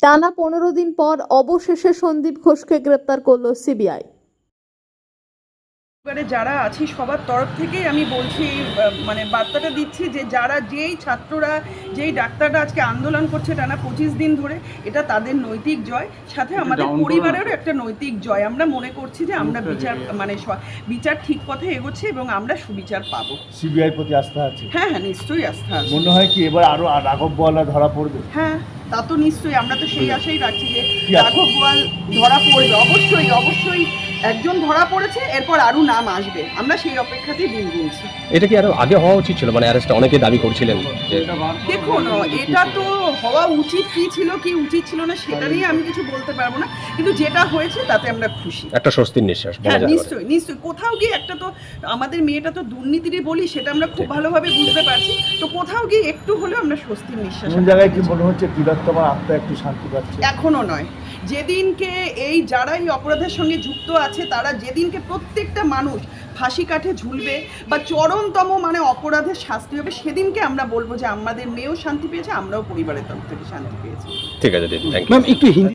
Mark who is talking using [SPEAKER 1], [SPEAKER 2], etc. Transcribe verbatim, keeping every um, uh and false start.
[SPEAKER 1] টানা পনেরো দিন পর অবশেষে সন্দীপ ঘোষকে গ্রেপ্তার করল সিবিআই।
[SPEAKER 2] এবারে যারা আছি সবার তরফ থেকেই আমি বলছি, মানে বার্তাটা দিচ্ছি যে যারা যেই ছাত্ররা যেই ডাক্তাররা আজকে আন্দোলন করছে টানা পঁচিশ দিন ধরে, এটা তাদের নৈতিক জয়, সাথে আমাদের পরিবারেরও একটা নৈতিক জয়। আমরা মনে করছি যে আমরা বিচার মানে বিচার ঠিক পথে এগোচ্ছে এবং আমরা সুবিচার পাবো।
[SPEAKER 3] সিবিআই প্রতি আস্থা আছে?
[SPEAKER 2] হ্যাঁ হ্যাঁ নিশ্চয়ই আস্থা আছে।
[SPEAKER 3] মনে হয় কি এবার আরো রাঘব বোয়ালরা ধরা পড়বে?
[SPEAKER 2] হ্যাঁ তা তো নিশ্চয়ই, আমরা তো সেই আশাই রাখছি যে রাঘব বোয়াল ধরা পড়বে। অবশ্যই অবশ্যই একজন ধরা পড়েছে, এরপর আরো নাম আসবে, আমরা সেই অপেক্ষাতেই দিন গুনছি।
[SPEAKER 4] এটা কি আরো আগে হওয়া উচিত ছিল? মানে অ্যারেস্ট অনেকে দাবি করছিলেন যে
[SPEAKER 2] দেখুন, এটা তো হওয়া উচিত কি ছিল কি উচিত ছিল না সেটা নিয়ে আমি কিছু বলতে পারবো না, কিন্তু যেটা হয়েছে তাতে আমরা খুশি।
[SPEAKER 4] একটা স্বস্তির নিঃশ্বাস বলা
[SPEAKER 2] হ্যাঁ
[SPEAKER 4] যায়।
[SPEAKER 2] নিশ্চয়ই নিশ্চয়ই, কোথাও গিয়ে একটা তো আমাদের মেয়েটা তো দুর্নীতিরই বলি, সেটা আমরা খুব ভালোভাবে বুঝতে পারছি, তো কোথাও গিয়ে একটু হলেও আমরা স্বস্তির নিঃশ্বাস।
[SPEAKER 3] কোন জায়গায় কি মনে হচ্ছে তিলোত্তমার আত্মা একটু শান্তি পাচ্ছে?
[SPEAKER 2] এখনো নয়, যেদিনকে এই যারা এই অপরাধের সঙ্গে যুক্ত আছে তারা যেদিনকে প্রত্যেকটা মানুষ ফাঁসি কাঠে ঝুলবে বা চরমতম মানে অপরাধের শাস্তি হবে, সেদিনকে আমরা বলবো যে আমাদের মেয়েও শান্তি পেয়েছে, আমরাও পরিবারের তরফ থেকে শান্তি পেয়েছি।
[SPEAKER 4] ঠিক আছে দিদি, থ্যাংক ইউ।
[SPEAKER 5] ম্যাম একটু হিন্দি